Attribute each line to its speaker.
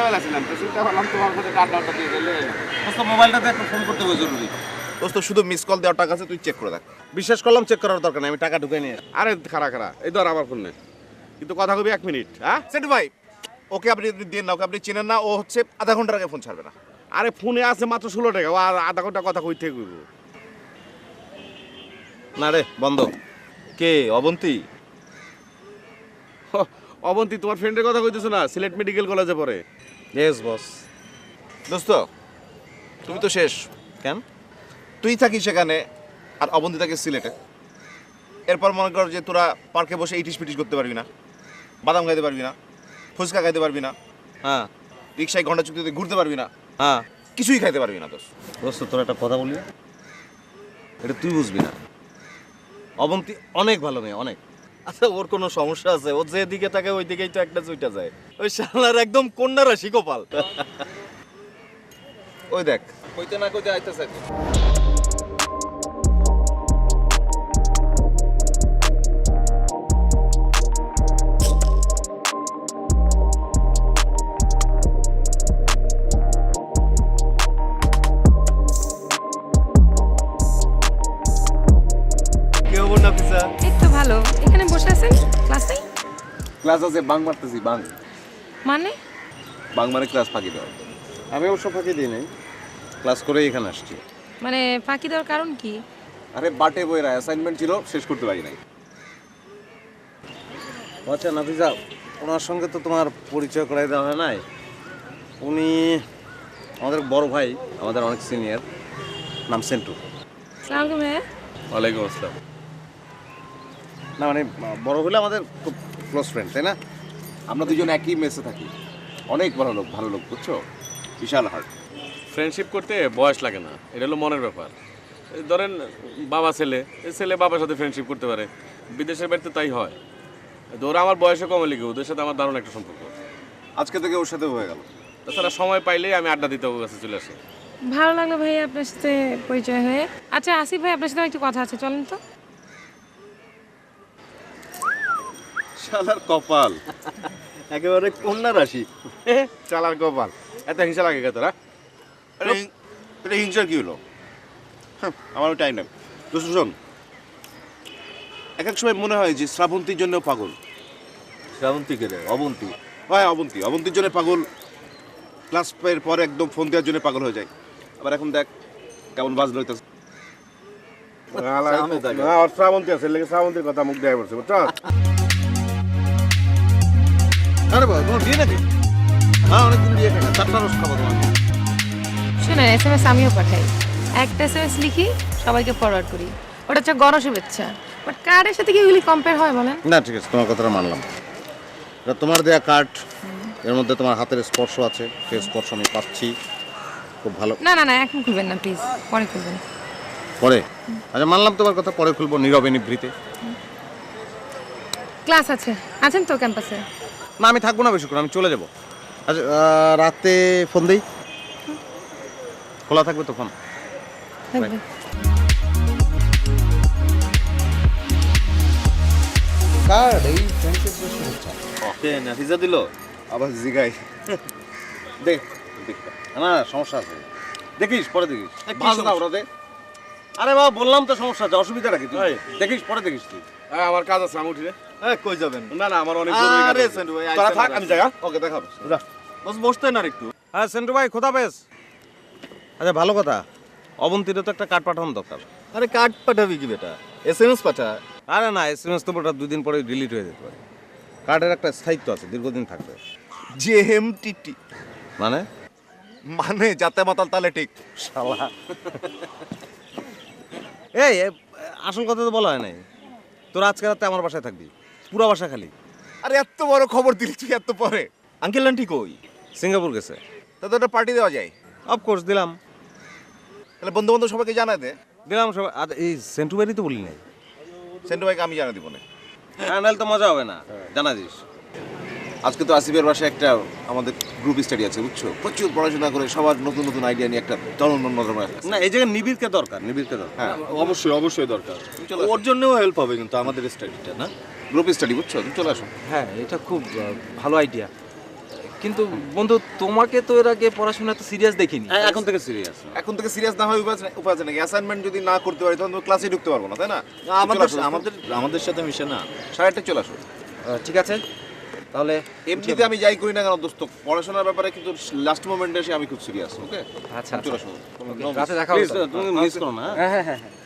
Speaker 1: বেলাছিলাম তো চিন্তা করলাম তোমার কাছে কার্ডটা দিয়ে দিলে
Speaker 2: দোস্ত মোবাইলটাতে একটা ফোন করতে হবে জরুরি।
Speaker 3: দোস্ত শুধু মিস কল দেওয়ার টাকা আছে, তুই চেক করে দেখ।
Speaker 2: বিশ্বাস করলাম চেক করার দরকার নেই, আমি টাকা ঢুকে নিয়ে
Speaker 1: আরে খারা এই ধর আমার ফোন নে কিন্তু কথা কবি 1 মিনিট হ্যাঁ
Speaker 3: সেন্টু ভাই, ওকে আপনি যদি দেন না, ওকে আপনি চেনেন না, ও হচ্ছে আধা ঘন্টার আগে ফোন ছাড়বে না।
Speaker 1: আরে ফোনে আছে মাত্র 16 টাকা ও আর আধা ঘন্টা কথা কই থেকে কইব
Speaker 2: না রে বন্ধ। কে অবন্তী?
Speaker 1: অবন্তী তোমার ফ্রেন্ডের কথা কইতেছো না, সিলেট মেডিকেল কলেজে পড়ে।
Speaker 2: Yes boss.
Speaker 3: দোস্ত তুমি তো শেষ।
Speaker 2: কেন?
Speaker 3: তুই থাকিস সেখানে আর অবন্তী থাকে সিলেটে। এরপর মনে কর যে তোরা পার্কে বসে ইটিস পিটিস করতে পারবি না, বাদাম খাইতে পারবি না, ফুচকা খাইতে পারবি না,
Speaker 2: হ্যাঁ
Speaker 3: রিক্সায় ঘন্টা চুক্তিতে ঘুরতে পারবি না,
Speaker 2: হ্যাঁ।
Speaker 3: কিছুই খাইতে পারবি না।
Speaker 2: দোস্ত তোর একটা কথা বলি, এটা তুই বুঝবি না। অবন্তী অনেক ভালো মেয়ে, অনেক। আচ্ছা ওর কোনো সমস্যা আছে? ও যেদিকে থাকে ওই দিকেই তো একটা চুইটা যায়। ওই শালার একদম কন্যা রাশি কপাল।
Speaker 3: ওই দেখ
Speaker 2: কইতে না কইতে আইতেছে। কি খবর নাফিসা?
Speaker 4: এই তো ভালো। এখানে বসে আছেন? ক্লাস নেই?
Speaker 2: ক্লাস আছে, বাং মারতেছি। বাং
Speaker 4: মানে?
Speaker 2: বাং মানে ক্লাস ফাঁকি দেওয়া। আমি অবশ্য ফাঁকি দিই নাই, ক্লাস করেই এখানে আসছি।
Speaker 4: মানে ফাঁকি দেওয়ার কারণ কি?
Speaker 2: আরে বাটে বইরা অ্যাসাইনমেন্ট ছিল, শেষ করতে পারি নাই। আচ্ছা নাফিসা, ওনার সঙ্গে তো তোমার পরিচয় করাই দেওয়া হয় নাই। উনি আমাদের বড় ভাই, আমাদের অনেক সিনিয়র, নাম সেন্টু।
Speaker 4: আসসালামু আলাইকুম ভাইয়া।
Speaker 2: ওয়ালাইকুম আসসালাম। না মানে বড় হলে আমাদের খুব ক্লোজ ফ্রেন্ড, তাই না?
Speaker 1: আমরা দুজন একই মেসে থাকি। অনেক ভালো লোক বুঝছো, বিশাল হার্ট। ফ্রেন্ডশিপ করতে বয়স লাগে না, এটা হলো মনের ব্যাপার। এই ধরেন বাবা ছেলে, এই ছেলে বাবার সাথে ফ্রেন্ডশিপ করতে পারে, বিদেশের বাড়িতে তাই হয়। ওরা আমার বয়সে কমে লিখে, ওদের সাথে আমার দারুণ একটা সম্পর্ক।
Speaker 3: আজকে থেকে ওর সাথে হয়ে গেল।
Speaker 1: তাছাড়া সময় পাইলেই আমি আড্ডা দিতে ওর কাছে চলে আসি।
Speaker 4: ভালো লাগলো ভাইয়া আপনার সাথে পরিচয় হয়ে। আচ্ছা আসিফ ভাই, আপনার সাথে একটু কথা আছে, চলেন তো।
Speaker 2: শালার কপাল একেবারে কন্যা রাশি।
Speaker 1: চালার গোপাল, এত হিংসা লাগে তোরা?
Speaker 3: এটা হিংসার কি হলো? আমারও টাইম নেই। দোস্ত শোন, এক এক সময় মনে হয় যে শ্রাবন্তীর জন্য পাগল।
Speaker 2: শ্রাবন্তী কে রে? অবন্তী।
Speaker 3: হয় অবন্তীর জন্য পাগল। ক্লাস এর পরে একদম ফোন দেওয়ার জন্য পাগল হয়ে যায়। আবার এখন দেখ কেমন বাজলো হইতেছে।
Speaker 1: শ্রাবন্তী আছে, শ্রাবন্তীর কথা মুখ দেয় পড়ছে বুঝছো?
Speaker 2: আরে বাবা তোমার বিয়ে নাকি? হ্যাঁ অনেকদিন বিয়ে থাকে, 4টা রস খাবো তোমার।
Speaker 4: শুনেন, SMS আমিও পাঠাই। একটা SMS লিখি, সবাইকে ফরওয়ার্ড করি। ওটা হচ্ছে গণশুভেচ্ছা। বাট কার্ডের সাথে কি এগুলি কম্পেয়ার হয় বলেন?
Speaker 2: না ঠিক আছে, তোমার কথাটা মানলাম। এটা তোমার দেয়া কার্ড, এর মধ্যে তোমার হাতের স্পর্শ আছে, সেই স্পর্শ আমি পাচ্ছি। খুব ভালো।
Speaker 4: না না না, এখন খুলবেন না প্লিজ, পরে খুলবেন।
Speaker 2: পরে? আচ্ছা মানলাম তোমার কথা, পরে খুলবো নীরবে নিভৃতে।
Speaker 4: ক্লাস আছে, আছেন তো ক্যাম্পাসে?
Speaker 2: না আমি থাকবো না বেশিক্ষণ, আমি চলে যাবো। আচ্ছা রাতে ফোন দিই, খোলা থাকবে তো ফোন?
Speaker 4: থাকবে।
Speaker 2: কার্ড এই ফ্রেন্ডশিপ শুভেচ্ছা। ওকে নাফিজা দিল
Speaker 3: আবার জিগাই
Speaker 2: দেখ। না সমস্যা আছে, দেখিস পরে দেখিস। বাজ না ওরা দে। আরে বাবা বললাম তো সমস্যা আছে, অসুবিধা রাখি তুই দেখিস, পরে দেখিস তুই।
Speaker 1: আমার কাজ আছে, আমি উঠি রে।
Speaker 2: কই যাবেন?
Speaker 1: না না, আমার অনেক জরুরি কাজ
Speaker 2: আরে
Speaker 1: আছে।
Speaker 2: সেন্টু ভাই,
Speaker 1: তোরা থাক, আমি যাই।
Speaker 2: ওকে দেখাবো। বস বসতে না একটু। হ্যাঁ সেন্টু ভাই খোদা পেস। আচ্ছা ভালো কথা, অবন্তীরও তো একটা কার্ড পাঠানো দরকার।
Speaker 5: আরে কার্ড পাঠাবি কি বেটা, SMS পাঠা।
Speaker 2: আরে না SMS তো ওটা 2 দিন পরে ডিলিট হয়ে যেতে পারে। কার্ডের একটা স্থায়িত্ব আছে, দীর্ঘদিন থাকবে।
Speaker 3: JMTT
Speaker 2: মানে
Speaker 3: মানে যাতে মাতাল তালে ঠিক।
Speaker 2: শালা এই আসল কথা তো বলা হয় নাই। তোর আজকে রাতে আমার বাসায় থাকবি, পুরো বাসা খালি।
Speaker 3: আরে এত বড় খবর দিলি তুই এত পরে?
Speaker 5: আঙ্কেল আন্টি কই?
Speaker 2: সিঙ্গাপুর গেছে।
Speaker 3: তা তো একটা পার্টি দেওয়া যায়।
Speaker 2: অফকোর্স দিলাম
Speaker 3: তাহলে বন্ধু বান্ধব সবাইকে জানা দে।
Speaker 2: দিলাম সবাই। এই সেন্টু বাড়ি তো বলি নাই।
Speaker 3: সেন্টু ভাইকে আমি জানা দিব না।
Speaker 2: হ্যাঁ নাহলে তো মজা হবে না, জানা দিস।
Speaker 3: আজকে তো আসিফের বাসায় একটা আমাদের গ্রুপ স্টাডি আছে বুঝছো, প্রচুর পড়াশোনা করে সবার নতুন নতুন আইডিয়া নিয়ে একটা চলন
Speaker 2: না এই জায়গায় নিবিড়কে দরকার, নিবিড়কে দরকার।
Speaker 3: হ্যাঁ
Speaker 5: অবশ্যই দরকার। ওর জন্যও হেল্প হবে কিন্তু আমাদের স্টাডিটা না।
Speaker 3: গ্রুপ স্টাডি বুঝছো, তুমি চলে আসো।
Speaker 6: হ্যাঁ এটা খুব ভালো আইডিয়া, কিন্তু বন্ধু তোমাকে তো এর আগে পড়াশোনা তো সিরিয়াস দেখিনি।
Speaker 1: এখন থেকে সিরিয়াস।
Speaker 3: এখন থেকে সিরিয়াস না হয় উপায় আছে নাকি? অ্যাসাইনমেন্ট যদি না করতে পারি তখন তো ক্লাসে ঢুকতে পারবো না, তাই না?
Speaker 5: আমাদের আমাদের আমাদের সাথে মিশে না।
Speaker 3: 8:30 চলে আসো।
Speaker 6: ঠিক আছে তাহলে
Speaker 3: এমনিতে আমি যাই করি না কেন দোস্ত, পড়াশোনার ব্যাপারে কিন্তু লাস্ট মোমেন্টে এসে আমি খুব সিরিয়াস। ওকে,
Speaker 6: আচ্ছা
Speaker 3: চলে আসো।
Speaker 6: রাতে দেখা
Speaker 1: প্লিজ
Speaker 6: হবে।
Speaker 1: তুমি মিস করো না।
Speaker 6: হ্যাঁ হ্যাঁ হ্যাঁ